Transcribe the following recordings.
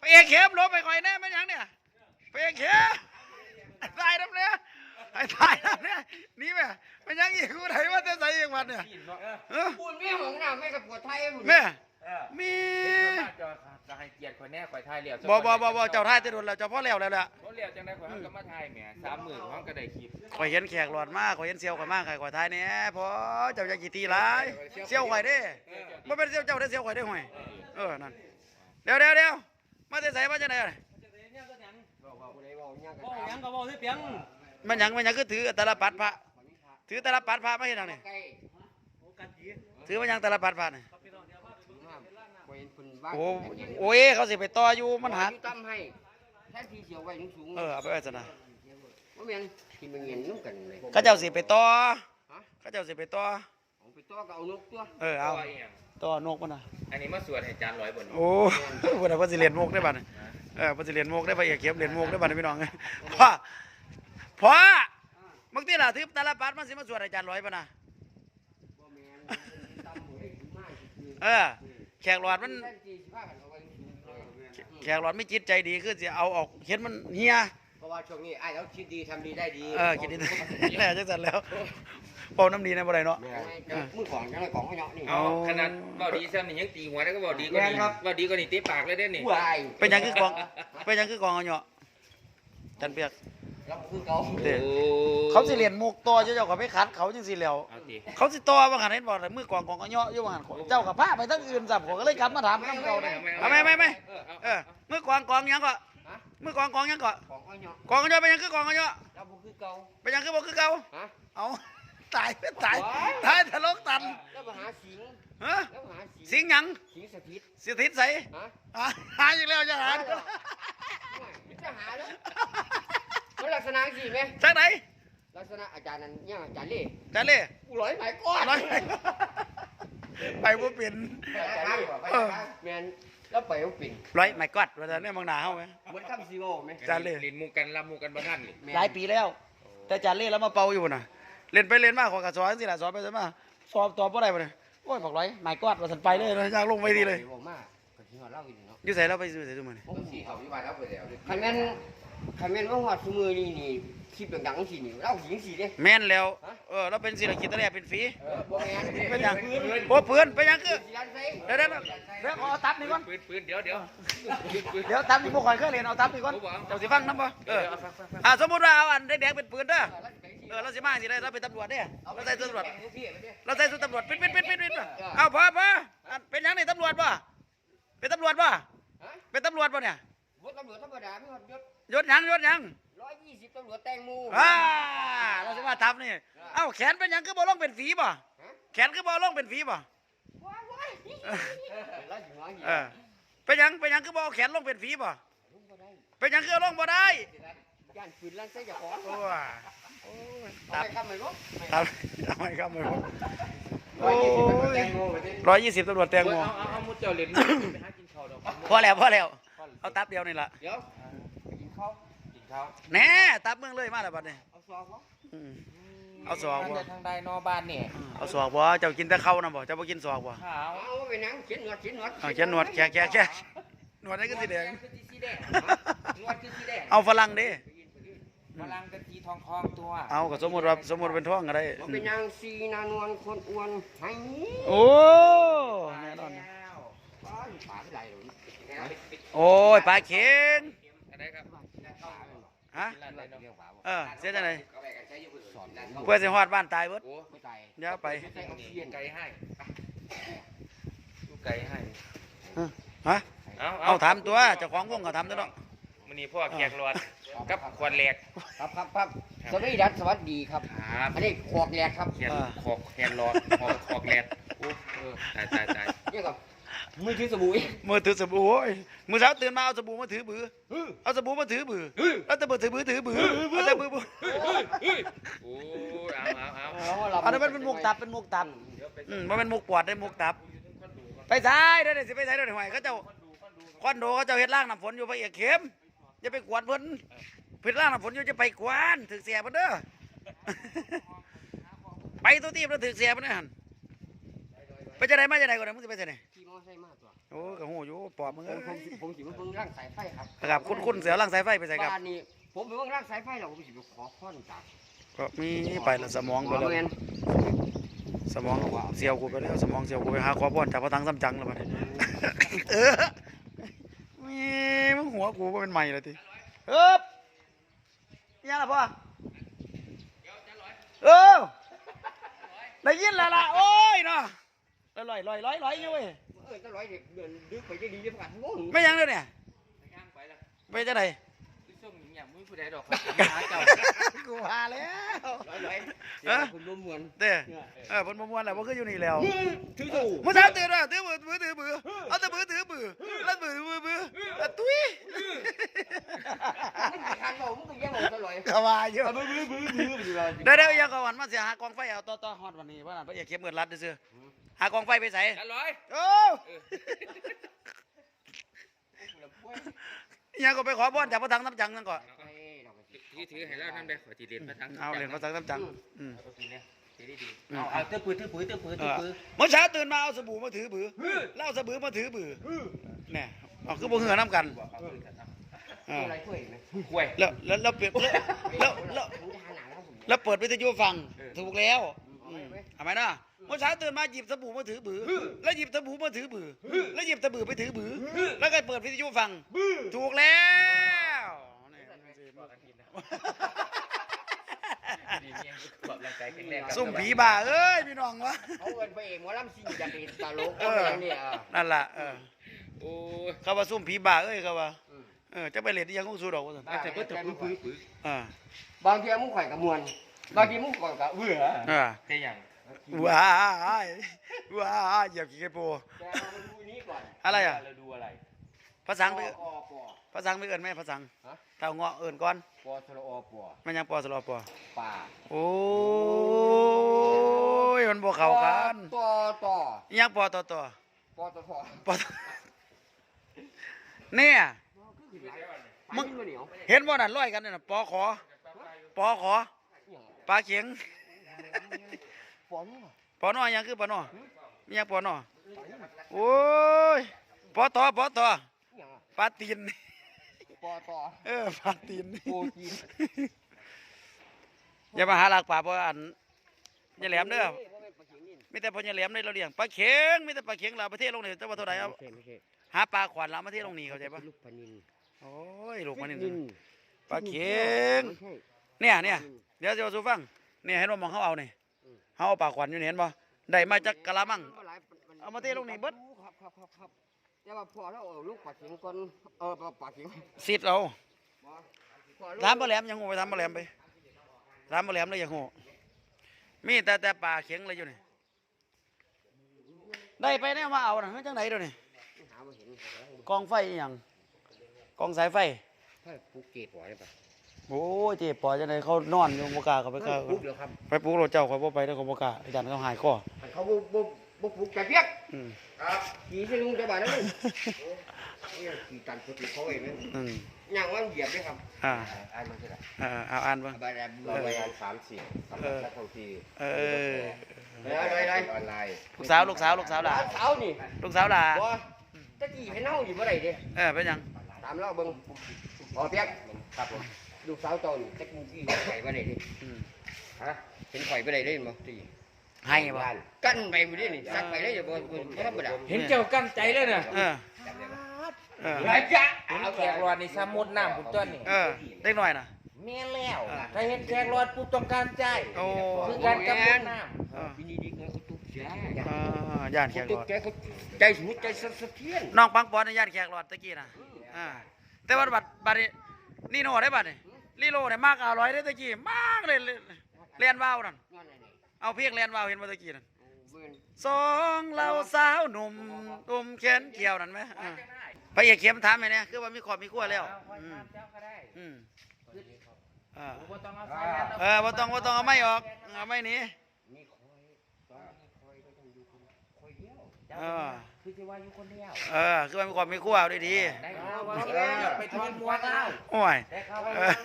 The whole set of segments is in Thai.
เอกเข้มลบไปคอยแน่ไม่ยังเนี่ยไปเอกเข้มตายน้ำเนี่ยไอ้ตายน้ำเนี่ยนี่แม่ไม่ยังอีกกูไหนว่าจะใส่เองวันเนี่ยพูดไม่ของหน้าไม่กับปวดไทยแม่มีจะให้เกียรติคนแน่ข่อยไทยเหลี่ยวบ่เจ้าท่ายจะโดนแล้วเจ้าพ่อแล้วแล้วแหละเขาเหลี่ยวจังได้ข่อยเขาก็มาไทยแหม30,000เขาก็ได้คลิปข่อยเห็นแขกหลอดมากข่อยเห็นเซียวข่อยมากข่อยท้ายเนี่ยพอเจ้าจะกี่ทีร้ายเซียวข่อยได้ไม่เป็นเซียวเจ้าได้เซียวข่อยได้ห่วยนั่นเดี๋ยวมาจะใส่มาจะไหนมันยังก็ถือตะลปัดพระถือตะลปัดพระไม่เห็นหรอเนี่ยถือมันยังตะลปัดพระเนี่ยโอ้ยเขาสิไปต่ออยู่มันหักตั้มให้แค่ทีเสียวไว้สูงเอาไปไว้ซะนะว่าแม่นที่มันเงินนุ่มกันเลยเขาเจ้าสิไปต่อเขาเจ้าสิไปต่อไปต่อก็เอานกตัวเอาต่อนกมันนะอันนี้มาสวดให้จาน100บนโอ้พวกเราสิเรียนมุกได้บ้านพอสิเรียนมุกได้ไปเอกเข็มเรียนมุกได้บ้านพี่น้องพ่อบางทีล่ะถือตาลปัดมันสิมาสวดอาจารย์100ป่ะนะแขกหลอดมันแขกหลอดไม่จิตใจดีคือจะเอาออกเห็นมันเฮียเพราะว่าช่วงนี้ไอ้แล้วคิดดีทำดีได้ดีคิดดีแน่จังสันแล้วเป่าน้ำดีในบ่ได้เนาะมือของยังไงของเขาเนาะนี่ขนาดเบาดีซ้ำนี่ยังตีหัวแล้วก็เบาดีก็ดีเบาดีก็นี่ตีปากเลยได้นี่เป็นยังคือกองเอาเนาะจันเปียกเขาสิเรียนมุกตัวเจ้าก็ไปขัดเขาจังสิแล้วเขาสิตัวบางหันเห็นบอกมือกองเอาเนาะอยู่บางหันเจ้ากับพระไปทั้งอื่นสับก็เลยกลับมาถามคำเก่าเลยไม่มือกองยังก็มือกองยังก็กองเอาเนาะเป็นยังคือกองเอาเนาะเป็นยังคือบอกคือเก่าเอาตายทะลกตันแล้วมาหาสิงสิงยังสิงสถิตใส่หาอีกแล้วจะหาแล้วมันลักษณะสิไหมจากไหนลักษณะอาจารย์นั้นเนี่ยอาจารย์เล่ร้อยไหมก้อนไปว่าเป็นแมนแล้วไปว่าเป็นร้อยไหมก้อนว่าจะเนี่ยมองหนาเขาไหมเหมือนคำซีโร่ไหมจานเล่ลินมูกันรับมูกันบ้านนี่หลายปีแล้วแต่จานเล่แล้วมาเป่าอยู่น่ะเล่นไปเล่นมาขอกระสอนสิล่ะสอนไปสิมาสอบตอบอะไรมาเนี่ยโอ้ยบอกร้อยไหมก้อนว่าสันไปเลยอยากลงไปดีเลยยุ่ใส่เราไปยุ่ใส่ทุกมือนี่คันแม่นว่าหัดมือนี่คลิปดังๆสินี่เล่าหญิงสิเด้แม่นแล้วเราเป็นศิลปินตะแลเป็นฟรีเป็นยังโอ้ปืนเป็นยังคือเดี๋ยวขอตับนี่ก่อนปืนเดี๋ยวตับนี่พวกข่อยเคยเรียนเอาตับนี่ก่อนเจ้าสิฟังน้ำบ่สมมติว่าเอาอันแดงเป็นปืนเด้อเราสิมาสิได้เราเป็นตำรวจเนี่ยเราใส่ชุดตำรวจปิดเอาพอเป็นยังนี่ตำรวจป่ะเป็นตำรวจป่ะเป็นตำรวจป่ะเนี่ยตำรวจธรรมดาไม่หดยศยัง 120ตำรวจแตงโมเราสิมาทับนี่เอ้าแขนเป็นยังคือบ่ลงเป็นฝีป่ะแขนคือบ่ลงเป็นฝีป่ะเป็นยังคือบ่แขนลงเป็นฝีป่ะเป็นยังคือลงบ่ได้ย่านฝืนลั่นใส่จะขอตับคำไหนรู้ทำไมคำไหนรู้120ตำรวจแตงโมเอามุดเจ้าเหรียญไปหากินข้าวดอกพอแล้วเอาตับเดียวนี่ละเดี๋ยวกินข้าวแน่ตับเมืองเลยมาแล้วบัดนี้เอาสอกบ่ทางใดนอบ้านเนี่ยเอาสอกบ่เจ้ากินแต่ข้าวนะบ่เจ้าบ่กินสอกบ่เอาไปนั่งเขียนหนวดแค่หนวดนี่ก็สีแดงเอาฝรั่งดิฝรั่งเป็นสีทองตัวเอาก็สมมติเป็นทองก็ได้เป็นนางซีนานวลคนอ้วนไห้โอ้แน่นอนโอ้ยปลาเข็งฮะเสียจังไงเพื่อจะฮอดบ้านตายเบิดเดี๋ยวไปไก่ให้ฮะเอาทำตัวเจ้าของวงก็ทำตัวเนาะมันนี่พ่อแขกรอดกับขวดแหลกครับสวัสดีครับอันนี้ขอกแหลกครับแขกรอดขอกแหลกตายเนี่ยกับมือถือสบู่มือเช้าตื่นมาเอาสบู่มาถือบือเอาสบู่มาถือบือแล้วแต่ถือบือเอาแต่บือโอ้อันนั้นเป็นมุกตับมันเป็นมุกปวดได้มุกตับไปซ้ายได้สิไปซ้ายได้หน่อยเขาเจ้าคอนโดเขาเจ้าเฮ็ดล่างน้ำฝนอยู่ไปเอกเข้มอย่าไปกวนเพิ่นเพิ่นล่างน้ำฝนอยู่จะไปกวนถึกเสียเพิ่นเด้อไปตัวตีบแล้วถึกเสียเพิ่นหันไปจะไหนมาจะไหนก่อนมึงจะไปจะไหนขี่มอไซค์มาตัวโอ้ก็หูอยู่ปอบมึงผมสิมาเบิ่งร่างสายไฟครับครับคุณเสียวลังสายไฟไปใส่ครับบ้านนี้ผมไปเบิ่งร่างสายไฟแล้วผมสิไปขอค้อนจากก็มีไปแล้วสมองไปแล้วแม่นสมองเสียวกูไปแล้วสมองเสียวกูไปหาขอพรจากพระทังซ้ำจังแล้วบัดนี้ เออมีมึงหัวกูบ่เป็นใหม่เลยทีเอ๊บยังล่ะพ่อเออได้ยินแล้วล่ะโอ้ยเนาะลอยเนี่ยเว้ยจะร้อยเด็กเดินดึกไปจะดีจะประกาศงงไม่ยังเลยเนี่ยย่างไปละไปจะไหนคือส่งอย่างมึงผู้ใดดอกหาเจ้ากูพาแล้วร้อยเออคุณรวมมวลเด้อบนมวนแหละว่าคืออยู่นี่แล้วถือถูกเมื่อเช้าตื่นว่าถือมือถือมือเอาแต่มือถือมือแล้วมือตุ้ยมึงคันบอกมึงก็แย่งบอกจะร้อยกว่าอยู่บื้ออยู่เลยเดี๋ยวยังก่อนมาเสียหากองไฟเอาต่อฮอดวันนี้ว่านั่นพระเอกเข้มเงินรัดซื้อหากองไฟไปใส่กันร้อยโอ้ยังก็ไปขอบอลจากพระทังน้ำจังนั่นก่อนถือให้เราทำได้ขอจีเรียนพระทังเอาเหรียญพระทังน้ำจังเอาทีเนี้ยทีดีเอาเตื้อปืนเมื่อเช้าตื่นมาเอาสบู่มาถือบือเล่าสบู่มาถือบือเนี่ยเอาคือบ่เหือน้ำกันอะไรช่วยไหมห่วยแล้วเปิดแล้วเปิดวิทยุฟังถูกแล้วทำไมนะเมื่อเช้าตื่นมาหยิบสบู่มาถือบือแล้วหยิบสบู่มาถือบือแล้วหยิบสบู่ไปถือบือแล้วก็เปิดวิทยุฟังถูกแล้วซุ่มผีบ้าเอ้ยพี่น้องวะเขาเงินไปเองว่าล่ำซิ่งจะเป็นตลกเนี่ยนั่นแหละโอ้เขาว่าซุ่มผีบ้าเอ้ยเขาว่าจะไปเล่นที่ยังคงสู้ดอกว่าสันแต่ก็จะปื้อบางทีมึงข่อยกับมวลบางทีมึงข่อยกับเบื่อแต่อย่างว้ายเหยียบขี้กระโปรงแต่เราดูนี้ก่อนอะไรอ่ะเราดูอะไรภาษาไปภาษาไม่เอินไหมภาษาเท่าเงาะเอินก่อนปอสระอปอมันยังปอสลอปอป่าโอ้ยมันบ่เข้ากันต่อยังปอต่อปอตทปอเนี่ยมึงเห็นบ่นั่นร้อยกันเนี่ยปอขอปลาเข็งปอนี่ปอนอยังคือปอนอมียังปอนอโอ้ยปอต่อปลาตีนปอต่อปลาตีนโปจีนอย่ามาหาหลักป่าเพราะอันอย่าแหลมเด้อมีแต่พออย่าแหลมได้เราเลี้ยงปลาเข็งมีแต่ปลาเข็งเราประเทศลงนี่เจ้าว่าเท่าไหร่เอาหาปลาขวัญเราประเทศลงนี่เข้าใจปะลูกปนินโอ้ยลูกมันนี่ปลาเข็งเนี่ยเดี๋ยวจะสู้ฟังเนี่ยเห็นว่ามองเขาเอาเนี่ยเขาเอาปลาขวัญอยู่นี่เห็นปะได้มาจากกะละมังเอามาเทลงนี่เบิดครับแต่ว่าพอแล้วลูกปลาเข็งก่อนปลาเข็งสิทธิ์เราถามปลาแหลมยังงูไปถามปลาแหลมไปถามปลาแหลมเลยยังงูมีแต่ปลาเข็งเลยอยู่นี่ได้ไปเนี่ยมาเอาน่ะจังไหนเดี๋ยวนี้กองไฟอหย่างกองสายไฟถ้าปลูกเก็บไว้ป่ะโอ้ยเจ็บปอจังไหนเขานอนอยู่บกล้าเขาไปปลูกเดี๋ยวครับไปปลุกรถเจ้าเขาบ่ไปแล้วเขาบกล้าอาจารย์เขาหายคอเขาบ่ปลูกแต่เพียกอืมครับขี่ที่ลุงจะบ้านนั่นขี่ตันสุดเขาเองนั่นอืมอย่างว่าเหยียบด้วยครับอ่าอ่านมันใช่ไหมเอาอ่านบ้างใบแดงใบแดง3-4สำหรับนักท่องเที่ยวเอออะไรออนไลน์ลูกสาวหล่ะสาวนี่ลูกสาวหล่ะบ่ตะกี้ให้เน่าอยู่บ่ได้เด้เป็นหยังตามเราเบิ่งอ๋อเปียกครับผมลูกสาวเจ้านี่ตะกี้ไข่บ่ได้เด้อืมฮะเห็นไข่บ่ได้เด้บ่ตีให้บ่กันไปบ่ได้นี่สักไปได้บ่ธรรมดาเห็นเจ้ากั้นใจเลยนะเออหลายจ้ะเอาแขกรอดในสมุดน้ำผมต้นนี่เล็กหน่อยนะเมียแล้วถ้าเห็นแขกรอดปุ๊บต้องการใจโอ้คือการกำลังน้ปีนี้ดีเขาตุ๊กใจย่านแขกหลตุ๊อก ดใจเขาใจสุดใจสะเทือนน้องปังปอนในย่านแขกหลอดตะกี้นะแต่ว่าบัดนี้นี่โน่ได้บัดนี่ลีโลเนี่ยมากอร่อยได้ตะกี้มากเลยเรียนว่าวนั่นเอาเพียงเรียนว่าวเห็นมาตะกี้นั่นสองเราสาวหนุ่มตุ่มแขนเกี่ยวนั่นไหมพระเอกเข้มถามไงเนี่ยคือว่ามีขอบมีขั้วแล้วบ่ต้องเอาไม่ออกเอาไม่หนีคือจะว่าอยู่คนเดียวคือว่ามีขอบมีขั้วเอาดีได้ข่าวว่าไปทอนมวกแล้วๆโอ้ยได้ข่าวว่าได้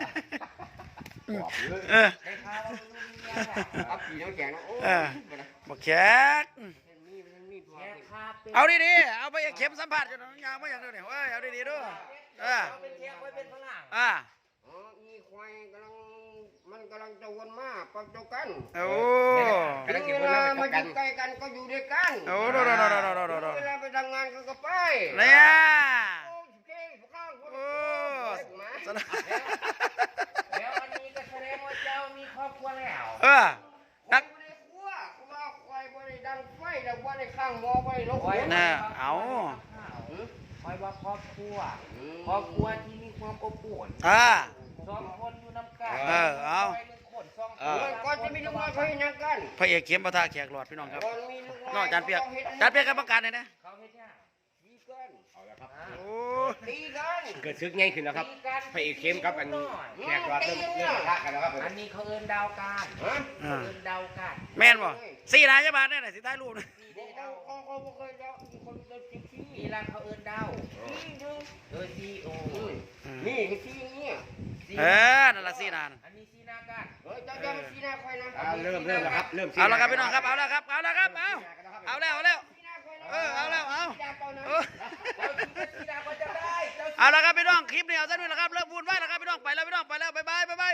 ข่าวว่าลูกเมียอับปีน้ำแข็งโอ้บักแขกแขกเขาเอาดีๆเอาไปเข็มสัมผัสจนยางไม่อย่างเดียวเนี่ยเว้ยเอาดีๆด้วยเป็นเทียบไว้เป็นฝรั่งอีควายมันกำลังจะวนมาประจบกันโอ้เวลามาอยู่ใกล้กันก็อยู่ด้วยกันโอ้เวลาไปทำงานก็ไปเนี่ยโอ้เก่งข้างคนโอ้แล้วอันนี้ก็แสดงว่าเจ้ามีครอบครัวแล้วนักไม่ได้คั่วกูว่าควายไม่ได้ดังไฟแล้วว่าได้ข้างหม้อไม่ได้ลกน่ะเอาคอยว่าครอบครัวครอบครัวที่มีความอบอุ่น สองคนอยู่น้ำกันก่อนจะมีลูกน้อยเขาเห็นยังกันพระเอกเข็มปะทะแขกหลอดพี่น้องครับก่อนมีลูกน้อยนอกจานเปียกจานเปียกกรรมการเลยนะเขาเฮ็ดยังตีกันโอ้ตีกันเกิดซึกง่ายขึ้นแล้วครับพระเอกเข้มครับอันแขกรับเริ่มปะทะกันแล้วครับผมอันนี้เขาเอิ้นดาวการเขาเอิ้นดาวการแม่นบ่สี่นายจะบาทเนี่ยไหนสิท้ายรูปนะเขาไม่เคยแล้วคนเดินตีนี่ละเขาเอิ้นดาวซีโอนี่คือที่นี่นั่นละสี่นานอันนี้ซีนาการเจ้ามันที่หน้าคอยนะเริ่มแล้วครับเริ่มเอาละครับพี่น้องครับเอาละครับเอาละครับเอาแล้วเอาแล้วเอาแล้วเอาเอาละครับพี่น้องคลิปนี้เอาซะด้วยละครับเลิกวุ่นวายแล้วครับพี่น้องไปแล้วพี่น้องไปแล้วบ๊ายบาย